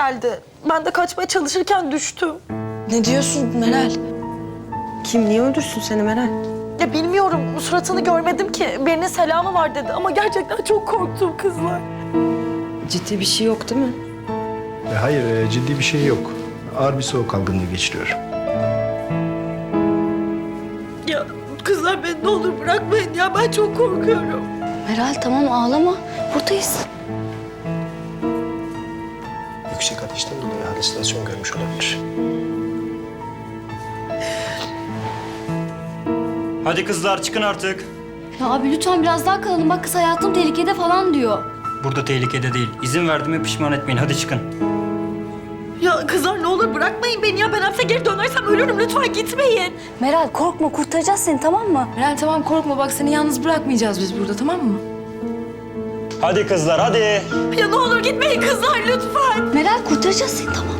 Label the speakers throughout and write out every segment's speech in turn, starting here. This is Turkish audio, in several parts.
Speaker 1: geldi. Ben de kaçmaya çalışırken düştüm.
Speaker 2: Ne diyorsun Meral?
Speaker 3: Kim niye öldürsün seni Meral?
Speaker 1: Ya bilmiyorum, suratını görmedim ki. Birinin selamı var dedi ama gerçekten çok korktum kızlar.
Speaker 3: Ciddi bir şey yok değil mi?
Speaker 4: Hayır, ciddi bir şey yok. Ağır bir soğuk algınlığı geçiriyor.
Speaker 1: Ya kızlar beni ne olur bırakmayın ya, ben çok korkuyorum.
Speaker 2: Meral tamam ağlama. Buradayız.
Speaker 4: Yüksek ateşten dolayı halüsinasyon görmüş olabilir.
Speaker 5: Hadi kızlar çıkın artık.
Speaker 6: Ya abi lütfen biraz daha kalalım. Bak kız hayatım tehlikede falan diyor.
Speaker 5: Burada tehlikede değil. İzin verdiğime pişman etmeyin. Hadi çıkın.
Speaker 1: Ya kızlar ne olur bırakmayın beni ya. Ben hapse geri dönersem ölürüm. Lütfen gitmeyin.
Speaker 6: Meral korkma, kurtaracağız seni, tamam mı?
Speaker 2: Meral tamam korkma, bak seni yalnız bırakmayacağız biz burada, tamam mı?
Speaker 5: Hadi kızlar hadi.
Speaker 1: Ya ne olur gitmeyin kızlar lütfen.
Speaker 6: Meral kurtaracağız seni, tamam.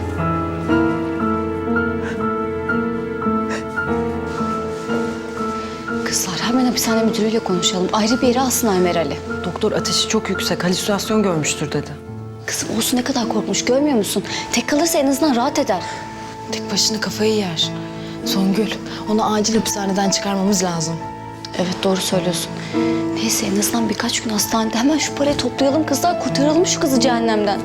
Speaker 6: Kızlar hemen hapishane müdürüyle konuşalım. Ayrı bir yere alsınlar Meral'i.
Speaker 3: Doktor ateşi çok yüksek, halüsinasyon görmüştür dedi.
Speaker 6: Kızım olsun, ne kadar korkmuş görmüyor musun? Tek kalırsa en azından rahat eder.
Speaker 2: Tek başına kafayı yer. Songül, onu acil hapishaneden çıkarmamız lazım.
Speaker 6: Evet doğru söylüyorsun. Neyse en azından birkaç gün hastanede hemen şu parayı toplayalım kızlar. Kurtaralım şu kızı cehennemden.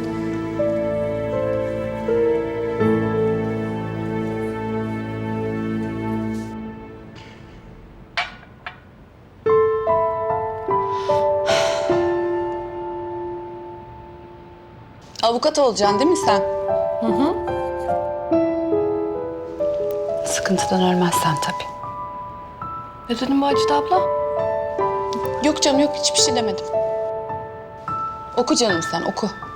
Speaker 2: Avukat olacaksın değil mi sen?
Speaker 3: Sıkıntıdan ölmezsen tabii.
Speaker 2: Ne dedin Macide abla? Yok canım yok, hiçbir şey demedim. Oku canım sen, oku.